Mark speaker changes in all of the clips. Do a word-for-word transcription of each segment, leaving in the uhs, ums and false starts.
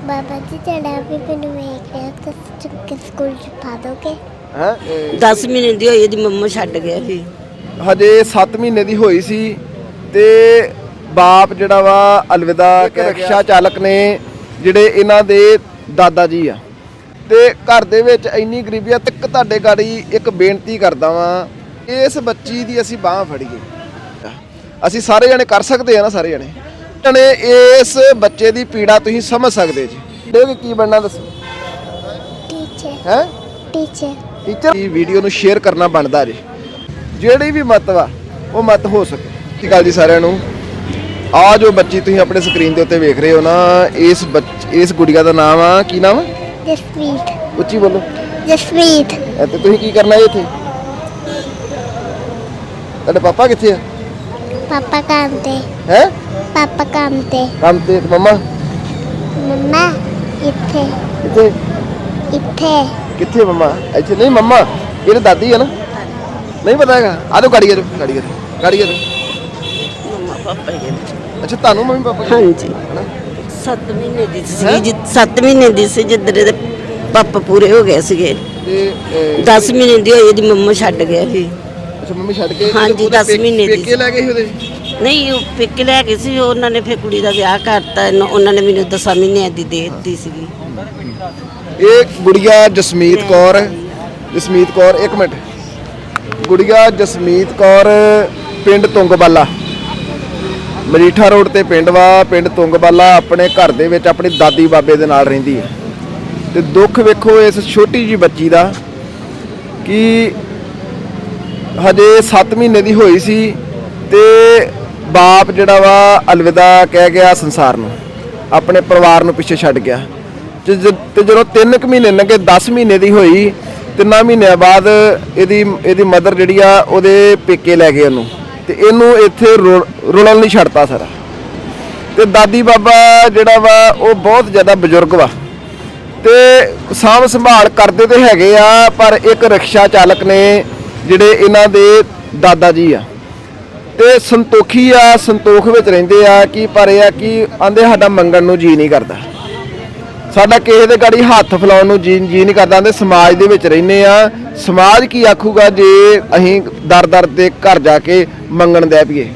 Speaker 1: ਬਾਬਾ ਜੀ ਜਿਹੜਾ ਵੀ ਮੈਨੂੰ ਵੇਖ ਰਿਹਾ ਤਾਂ ਚੁੱਕ ਸਕੂਲ ਚ ਪਾ ਦੋਗੇ।
Speaker 2: ਹੈ
Speaker 3: ਦਸ ਮਹੀਨੇ ਦੀ ਹੋਈ ਇਹਦੀ ਮੰਮਾ ਛੱਡ ਗਿਆ ਸੀ।
Speaker 2: ਹਜੇ ਸੱਤ ਮਹੀਨੇ ਦੀ ਹੋਈ ਸੀ ਤੇ ਬਾਪ ਜਿਹੜਾ ਵਾ ਅਲਵਿਦਾ ਰਿਕਸ਼ਾ ਚਾਲਕ ਨੇ ਜਿਹੜੇ ਇਹਨਾਂ ਦੇ ਦਾਦਾ ਜੀ ਆ ਤੇ ਘਰ ਦੇ ਵਿੱਚ ਇੰਨੀ ਗਰੀਬੀ ਆ। ਤੱਕ ਤੁਹਾਡੇ ਗਾੜੀ ਇੱਕ ਬੇਨਤੀ ਕਰਦਾ ਵਾਂ, ਇਸ ਬੱਚੀ ਦੀ ਅਸੀਂ ਬਾਂਹ ਫੜੀਏ। ਅਸੀਂ ਸਾਰੇ ਜਣੇ ਕਰ ਸਕਦੇ ਆ ਨਾ, ਸਾਰੇ ਜਣੇ ਜਣੇ ਇਸ ਬੱਚੇ ਦੀ ਪੀੜਾ ਤੁਸੀਂ ਸਮਝ ਸਕਦੇ ਜੀ। ਦੇਖ ਕੀ ਬਣਨਾ ਦੱਸੋ।
Speaker 1: ਟੀਚਰ
Speaker 2: ਹੈ
Speaker 1: ਟੀਚਰ
Speaker 2: ਟੀਚਰ ਇਹ ਵੀਡੀਓ ਨੂੰ ਸ਼ੇਅਰ ਕਰਨਾ ਬਣਦਾ ਜੀ, ਜਿਹੜੀ ਵੀ ਮਤ ਵਾ ਉਹ ਮਤ ਹੋ ਸਕੇ। ਸਤਿ ਸ਼੍ਰੀ ਅਕਾਲ ਜੀ ਸਾਰਿਆਂ ਨੂੰ। ਆ ਜੋ ਬੱਚੀ ਤੁਸੀਂ ਆਪਣੇ ਸਕਰੀਨ ਦੇ ਉੱਤੇ ਵੇਖ ਰਹੇ ਹੋ ਨਾ, ਇਸ ਇਸ ਗੁੜੀਆ ਦਾ ਨਾਮ ਆ, ਕੀ ਨਾਮ ਆ?
Speaker 1: ਜਸਮੀਤ।
Speaker 2: ਉੱਚੀ ਬੋਲੋ।
Speaker 1: ਜਸਮੀਤ।
Speaker 2: ਤੇ ਤੁਸੀਂ ਕੀ ਕਰਨਾ ਹੈ ਇੱਥੇ? ਤੁਹਾਡੇ ਪਾਪਾ ਕਿੱਥੇ ਆ?
Speaker 1: ਪਾਪਾ ਕੰਮ ਤੇ।
Speaker 2: ਹੈ
Speaker 1: ਪਾਪਾ ਕੰਮ ਤੇ।
Speaker 2: ਕੰਮ ਤੇ। ਮੰਮਾ
Speaker 1: ਮੰਮਾ ਇੱਥੇ
Speaker 2: ਕਿੱਥੇ?
Speaker 1: ਇੱਥੇ
Speaker 2: ਕਿੱਥੇ ਮੰਮਾ? ਇੱਥੇ ਨਹੀਂ ਮੰਮਾ, ਇਹਦੇ ਦਾਦੀ ਆ ਨਾ। ਨਹੀਂ ਪਤਾ ਹੈਗਾ? ਆ ਜਾਓ ਗਾੜੀ ਆ ਜਾਓ ਗਾੜੀ ਆ ਜਾਓ ਗਾੜੀ ਆ ਜਾਓ।
Speaker 3: ਮੰਮਾ ਪਾਪਾ ਹੀ ਹੈ।
Speaker 2: ਅੱਛਾ ਤੁਹਾਨੂੰ ਮੰਮੀ ਪਾਪਾ
Speaker 3: ਹਾਂਜੀ ਸੱਤ ਮਹੀਨੇ ਦੀ ਸੀ ਜੀ, ਸੱਤ ਮਹੀਨੇ ਦੀ ਸੀ ਜਿੱਦਣ ਇਹਦੇ ਪਾਪਾ ਪੂਰੇ ਹੋ ਗਏ ਸੀਗੇ।
Speaker 2: ਤੇ
Speaker 3: ਦਸ ਮਹੀਨੇ ਦੀ ਹੋਈ ਇਹਦੀ ਮੰਮਾ ਛੱਡ ਗਿਆ ਸੀ।
Speaker 2: ਅੱਛਾ ਮੰਮੀ ਛੱਡ ਕੇ?
Speaker 3: ਹਾਂਜੀ, ਦਸ ਮਹੀਨੇ ਦੀ
Speaker 2: ਪੇਕੇ ਲੈ ਗਏ ਸੀ ਉਹਦੇ?
Speaker 3: ਨਹੀਂ ਉਹ ਪੇਕੇ ਲੈ ਗਏ ਸੀ, ਉਹਨਾਂ ਨੇ ਫਿਰ ਕੁੜੀ ਦਾ ਵਿਆਹ ਕਰਤਾ। ਉਹਨਾਂ ਨੇ ਮੈਨੂੰ ਦਸਾਂ ਮਹੀਨਿਆਂ ਦੀ ਦੇ ਦਿੱਤੀ ਸੀਗੀ।
Speaker 2: ਇਹ ਗੁੜੀਆ ਜਸਮੀਤ ਕੌਰ। ਜਸਮੀਤ ਕੌਰ ਇੱਕ ਮਿੰਟ। ਗੁੜੀਆ ਜਸਮੀਤ ਕੌਰ ਪਿੰਡ ਤੁੰਗਬਾਲਾ, ਮਰੀਠਾ ਰੋਡ ਤੇ ਪਿੰਡ ਵਾ। ਪਿੰਡ ਤੁੰਗਬਾਲਾ ਆਪਣੇ ਘਰ ਦੇ ਵਿੱਚ ਆਪਣੀ ਦਾਦੀ ਬਾਬੇ ਦੇ ਨਾਲ ਰਹਿੰਦੀ ਹੈ। ਤੇ ਦੁੱਖ ਵੇਖੋ ਇਸ ਛੋਟੀ ਜੀ ਬੱਚੀ ਦਾ ਕਿ ਹਜੇ ਸੱਤ ਮਹੀਨੇ ਦੀ ਹੋਈ ਸੀ ਤੇ ਬਾਪ ਜਿਹੜਾ ਵਾ ਅਲਵਿਦਾ ਕਹਿ ਗਿਆ ਸੰਸਾਰ ਨੂੰ, ਆਪਣੇ ਪਰਿਵਾਰ ਨੂੰ ਪਿੱਛੇ ਛੱਡ ਗਿਆ। ਤੇ ਜਦੋਂ ਤਿੰਨ ਕੁ ਮਹੀਨੇ ਲੰਘੇ, ਦਸ ਮਹੀਨੇ ਦੀ ਹੋਈ, ਤਿੰਨਾਂ ਮਹੀਨਿਆਂ ਬਾਅਦ ਇਹਦੀ ਇਹਦੀ ਮਦਰ ਜਿਹੜੀ ਆ ਉਹਦੇ ਪੇਕੇ ਲੈ ਗਏ ਉਹਨੂੰ, ਤੇ ਇਹਨੂੰ ਇੱਥੇ ਰੁਲਣ ਲਈ ਛੱਡਤਾ ਸਾਰਾ। ਤੇ ਦਾਦੀ ਬਾਬਾ ਜਿਹੜਾ ਵਾ ਉਹ ਬਹੁਤ ਜ਼ਿਆਦਾ ਬਜ਼ੁਰਗ ਵਾ ਤੇ ਸਾਂਭ ਸੰਭਾਲ ਕਰਦੇ ਤੇ ਹੈਗੇ ਆ, ਪਰ ਇੱਕ ਰਿਕਸ਼ਾ ਚਾਲਕ ਨੇ ਜਿਹੜੇ ਇਹਨਾਂ ਦੇ ਦਾਦਾ ਜੀ ਆ ਤੇ ਸੰਤੋਖੀ ਆ, ਸੰਤੋਖ ਵਿੱਚ ਰਹਿੰਦੇ ਆ। ਕਿ ਪਰ ਇਹ ਆ ਕਿ ਆਂਦੇ ਸਾਡਾ ਮੰਗਣ ਨੂੰ ਜੀ ਨਹੀਂ ਕਰਦਾ, ਸਾਡਾ ਕਿਸੇ ਦੇ ਗਾੜੀ ਹੱਥ ਫਲਾਉਣ ਨੂੰ ਜੀ ਜੀ ਨਹੀਂ ਕਰਦਾ। ਆਂਦੇ ਸਮਾਜ ਦੇ ਵਿੱਚ ਰਹਿੰਦੇ ਆ, ਸਮਾਜ ਕੀ ਆਖੂਗਾ ਜੇ ਅਸੀਂ ਦਰ ਦਰ ਦੇ ਘਰ ਜਾ ਕੇ ਮੰਗਣ ਦੇ ਪਈਏ।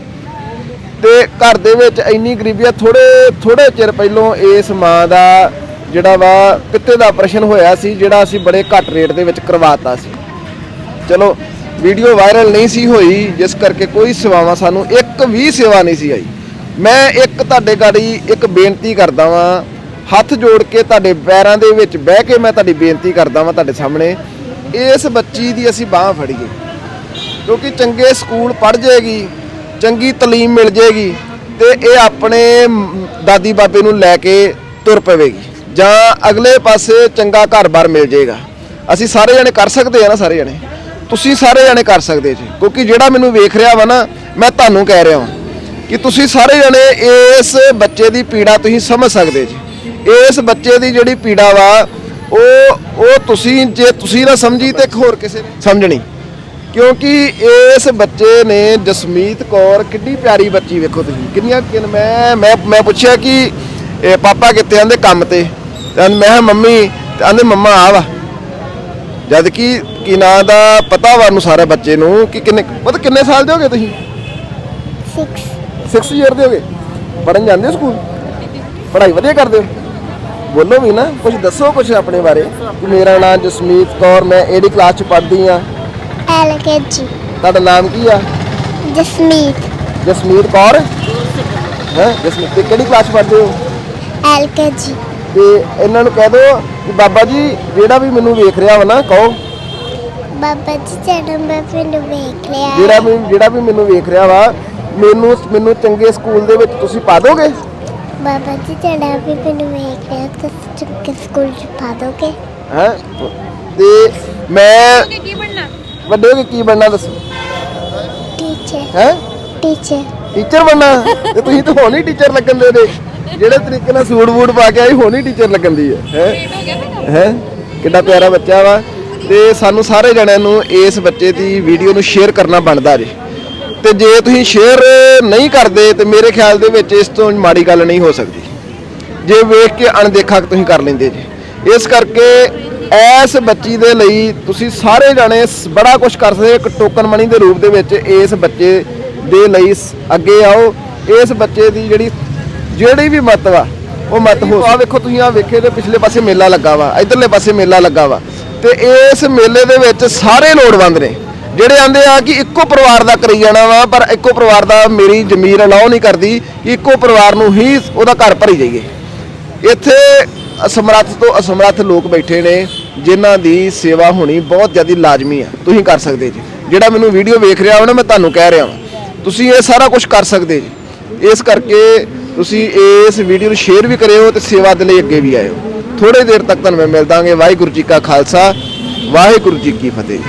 Speaker 2: ਤੇ ਘਰ ਦੇ ਵਿੱਚ ਇੰਨੀ ਗਰੀਬੀ ਆ। ਥੋੜੇ ਥੋੜੇ ਚਿਰ ਪਹਿਲੋਂ ਇਸ ਮਾਂ ਦਾ ਜਿਹੜਾ ਵਾ ਪਿੱਤੇ ਦਾ ਆਪਰੇਸ਼ਨ ਹੋਇਆ ਸੀ, ਜਿਹੜਾ ਅਸੀਂ ਬੜੇ ਘੱਟ ਰੇਟ ਦੇ ਵਿੱਚ ਕਰਵਾਤਾ ਸੀ। ਚਲੋ ਵੀਡੀਓ ਵਾਇਰਲ ਨਹੀਂ ਸੀ ਹੋਈ, ਜਿਸ ਕਰਕੇ ਕੋਈ ਸੇਵਾਵਾਂ ਸਾਨੂੰ ਇੱਕ ਵੀ ਸੇਵਾ ਨਹੀਂ ਸੀ ਆਈ। ਮੈਂ ਇੱਕ ਤੁਹਾਡੇ ਗਾੜੀ ਇੱਕ ਬੇਨਤੀ ਕਰਦਾ ਵਾਂ, ਹੱਥ ਜੋੜ ਕੇ ਤੁਹਾਡੇ ਪੈਰਾਂ ਦੇ ਵਿੱਚ ਬਹਿ ਕੇ ਮੈਂ ਤੁਹਾਡੀ ਬੇਨਤੀ ਕਰਦਾ ਵਾਂ ਤੁਹਾਡੇ ਸਾਹਮਣੇ, ਇਸ ਬੱਚੀ ਦੀ ਅਸੀਂ ਬਾਂਹ ਫੜੀਏ। ਕਿਉਂਕਿ ਚੰਗੇ ਸਕੂਲ ਪੜ੍ਹ ਜਾਏਗੀ, ਚੰਗੀ ਤਾਲੀਮ ਮਿਲ ਜਾਏਗੀ ਤੇ ਇਹ ਆਪਣੇ ਦਾਦੀ ਬਾਬੇ ਨੂੰ ਲੈ ਕੇ ਤੁਰ ਪਵੇਗੀ, ਜਾਂ ਅਗਲੇ ਪਾਸੇ ਚੰਗਾ ਘਰ-ਬਾਰ ਮਿਲ ਜਾਏਗਾ। ਅਸੀਂ ਸਾਰੇ ਜਣੇ ਕਰ ਸਕਦੇ ਆ ਨਾ, ਸਾਰੇ ਜਣੇ ਤੁਸੀਂ ਸਾਰੇ ਜਣੇ ਕਰ ਸਕਦੇ ਜੀ। ਕਿਉਂਕਿ ਜਿਹੜਾ ਮੈਨੂੰ ਵੇਖ ਰਿਹਾ ਵਾ ਨਾ, ਮੈਂ ਤੁਹਾਨੂੰ ਕਹਿ ਰਿਹਾ ਹਾਂ ਕਿ ਤੁਸੀਂ ਸਾਰੇ ਜਣੇ ਇਸ ਬੱਚੇ ਦੀ ਪੀੜਾ ਤੁਸੀਂ ਸਮਝ ਸਕਦੇ ਜੀ। ਇਸ ਬੱਚੇ ਦੀ ਜਿਹੜੀ ਪੀੜਾ ਵਾ ਉਹ ਉਹ ਤੁਸੀਂ ਜੇ ਤੁਸੀਂ ਨਾ ਸਮਝੀ ਤੇ ਹੋਰ ਕਿਸੇ ਨੇ ਸਮਝਣੀ। ਕਿਉਂਕਿ ਇਸ ਬੱਚੇ ਨੇ, ਜਸਮੀਤ ਕੌਰ, ਕਿੰਨੀ ਪਿਆਰੀ ਬੱਚੀ ਵੇਖੋ ਤੁਸੀਂ, ਕਿੰਨੀਆਂ ਮੈਂ ਮੈਂ ਮੈਂ ਪੁੱਛਿਆ ਕਿ ਇਹ ਪਾਪਾ ਕਿੱਥੇ? ਆਂਦੇ ਕੰਮ ਤੇ। ਤੇ ਮੈਂ ਕਿਹਾ ਮੰਮੀ, ਤੇ ਆਂਦੇ ਮੰਮਾ ਆ ਵਾ। ਜਦ ਕਿ ਕੀ ਨਾਂ ਦਾ ਪਤਾ ਵਾ ਨੂੰ ਸਾਰਾ ਬੱਚੇ ਨੂੰ ਕਿ ਕਿੰਨੇ ਪਤਾ ਕਿੰਨੇ ਸਾਲ ਦੇ ਹੋਗੇ ਤੁਸੀਂ?
Speaker 1: ਸਿਕਸ
Speaker 2: ਸਿਕਸ ਈਅਰ ਦੇ ਹੋਗੇ। ਪੜ੍ਹਨ ਜਾਂਦੇ ਹੋ ਸਕੂਲ? ਪੜ੍ਹਾਈ ਵਧੀਆ ਕਰਦੇ ਹੋ? ਬੋਲੋ ਵੀ ਨਾ, ਕੁਝ ਦੱਸੋ ਕੁਝ ਆਪਣੇ ਬਾਰੇ। ਮੇਰਾ ਨਾਮ ਜਸਮੀਤ ਕੌਰ, ਮੈਂ ਏਡੀ ਕਲਾਸ 'ਚ ਪੜ੍ਹਦੀ ਆ।
Speaker 1: ਐਲ ਕੇ ਜੀ।
Speaker 2: ਤੁਹਾਡਾ ਨਾਮ ਕੀ ਆ?
Speaker 1: ਜਸਮੀਤ।
Speaker 2: ਜਸਮੀਤ ਕੌਰ। ਹੈ ਜਸਮੀਤ, ਤੇ ਕਿਹੜੀ ਕਲਾਸ 'ਚ ਪੜ੍ਹਦੇ ਹੋ?
Speaker 1: ਐਲ ਕੇ ਜੀ।
Speaker 2: ਤੇ ਇਹਨਾਂ ਨੂੰ ਕਹਿ ਦਿਓ ਕਿ ਬਾਬਾ ਜੀ ਜਿਹੜਾ ਵੀ ਮੈਨੂੰ ਵੇਖ ਰਿਹਾ ਵਾ ਨਾ, ਕਹੋ
Speaker 1: ਬਾਬਾ ਜੀ ਜਿਹੜਾ ਮੈਂ ਮੈਨੂੰ ਵੇਖ ਰਿਹਾ
Speaker 2: ਜਿਹੜਾ ਵੀ ਜਿਹੜਾ ਵੀ ਮੈਨੂੰ ਵੇਖ ਰਿਹਾ ਵਾ, ਮੈਨੂੰ ਮੈਨੂੰ ਚੰਗੇ ਸਕੂਲ ਦੇ ਵਿੱਚ ਤੁਸੀਂ ਪਾ ਦੋਗੇ?
Speaker 1: ਬਾਬਾ ਜੀ ਜਿਹੜਾ ਵੀ ਮੈਨੂੰ ਵੇਖ ਰਿਹਾ ਤਾਂ ਚੁੱਕ ਸਕੂਲ ਚ ਪਾ ਦੋਗੇ।
Speaker 2: ਹੈ ਤੇ ਮੈਂ
Speaker 1: ਕੀ ਬਣਨਾ?
Speaker 2: ਵੱਡੇ ਹੋ ਕੇ ਕੀ ਬਣਨਾ ਦੱਸੋ?
Speaker 1: ਟੀਚਰ।
Speaker 2: ਹੈ
Speaker 1: ਟੀਚਰ।
Speaker 2: ਟੀਚਰ ਬਣਨਾ? ਤੇ ਤੁਸੀਂ ਤਾਂ ਹੁਣ ਹੀ ਟੀਚਰ ਲੱਗਣ ਦੇ ਨੇ, ਜਿਹੜੇ ਤਰੀਕੇ ਨਾਲ ਸੂਟ ਬੂਟ ਪਾ ਕੇ ਆਈ ਹੁਣ ਹੀ ਟੀਚਰ ਲੱਗਣ ਦੀ ਹੈ। ਹੈ ਕਿੱਡਾ ਪਿਆਰਾ ਬੱਚਾ ਵਾ। ਤੇ ਸਾਨੂੰ ਸਾਰੇ ਜਣਿਆਂ ਨੂੰ ਇਸ ਬੱਚੇ ਦੀ ਵੀਡੀਓ ਨੂੰ ਸ਼ੇਅਰ ਕਰਨਾ ਬਣਦਾ ਜੀ। ਤੇ ਜੇ ਤੁਸੀਂ ਸ਼ੇਅਰ ਨਹੀਂ ਕਰਦੇ ਤੇ ਮੇਰੇ ਖਿਆਲ ਦੇ ਵਿੱਚ ਇਸ ਤੋਂ ਮਾੜੀ ਗੱਲ ਨਹੀਂ ਹੋ ਸਕਦੀ। ਜੇ ਵੇਖ ਕੇ ਅਣਦੇਖਾ ਤੁਸੀਂ ਕਰ ਲੈਂਦੇ ਜੀ। ਇਸ ਕਰਕੇ ਇਸ ਬੱਚੀ ਦੇ ਲਈ ਤੁਸੀਂ ਸਾਰੇ ਜਾਣੇ ਸ- ਬੜਾ ਕੁਝ ਕਰ ਸਕਦੇ, ਇੱਕ ਟੋਕਨ ਮਨੀ ਦੇ ਰੂਪ ਦੇ ਵਿੱਚ ਇਸ ਬੱਚੇ ਦੇ ਲਈ ਸ- ਅੱਗੇ ਆਓ। ਇਸ ਬੱਚੇ ਦੀ ਜਿਹੜੀ ਜਿਹੜੀ ਵੀ ਮਤ ਵਾ ਉਹ ਮਤ ਹੋ। ਆ ਵੇਖੋ ਤੁਸੀਂ, ਆ ਵੇਖੇ ਤੇ ਪਿਛਲੇ ਪਾਸੇ ਮੇਲਾ ਲੱਗਾ ਵਾ, ਇਧਰਲੇ ਪਾਸੇ ਮੇਲਾ ਲੱਗਾ ਵਾ, ਤੇ ਇਸ ਮੇਲੇ ਦੇ ਵਿੱਚ ਸਾਰੇ ਲੋੜਵੰਦ ਨੇ ਜਿਹੜੇ ਆਂਦੇ ਆ ਕਿ ਇੱਕੋ ਪਰਿਵਾਰ ਦਾ ਕਰੀ ਜਾਣਾ ਵਾ, ਪਰ ਇੱਕੋ ਪਰਿਵਾਰ ਦਾ ਮੇਰੀ ਜ਼ਮੀਰ ਅਲਾਓ ਨਹੀਂ ਕਰਦੀ ਕਿ ਇੱਕੋ ਪਰਿਵਾਰ ਨੂੰ ਹੀ ਉਹਦਾ ਘਰ ਭਰੀ ਜਾਈਏ। ਇੱਥੇ ਅਸਮਰੱਥ ਤੋਂ ਅਸਮਰੱਥ ਲੋਕ ਬੈਠੇ ਨੇ ਜਿਨ੍ਹਾਂ ਦੀ ਸੇਵਾ ਹੋਣੀ ਬਹੁਤ ਜ਼ਿਆਦਾ ਲਾਜ਼ਮੀ ਆ। ਤੁਸੀਂ ਕਰ ਸਕਦੇ ਜੀ, ਜਿਹੜਾ ਮੈਨੂੰ ਵੀਡੀਓ ਵੇਖ ਰਿਹਾ ਹੋ ਨਾ, ਮੈਂ ਤੁਹਾਨੂੰ ਕਹਿ ਰਿਹਾ ਹਾਂ ਤੁਸੀਂ ਇਹ ਸਾਰਾ ਕੁਝ ਕਰ ਸਕਦੇ ਜੀ। ਇਸ ਕਰਕੇ ਤੁਸੀਂ ਇਸ ਵੀਡੀਓ ਨੂੰ ਸ਼ੇਅਰ ਵੀ ਕਰਿਓ ਤੇ ਸੇਵਾ ਦੇ ਲਈ ਅੱਗੇ ਵੀ ਆਇਓ। ਥੋੜੇ ਦੇਰ ਤੱਕ ਤੁਹਾਨੂੰ ਮੈਂ ਮਿਲ ਦਾਂਗੇ। ਵਾਹਿਗੁਰੂ ਜੀ ਕਾ ਖਾਲਸਾ, ਵਾਹਿਗੁਰੂ ਜੀ ਕੀ ਫਤਿਹ।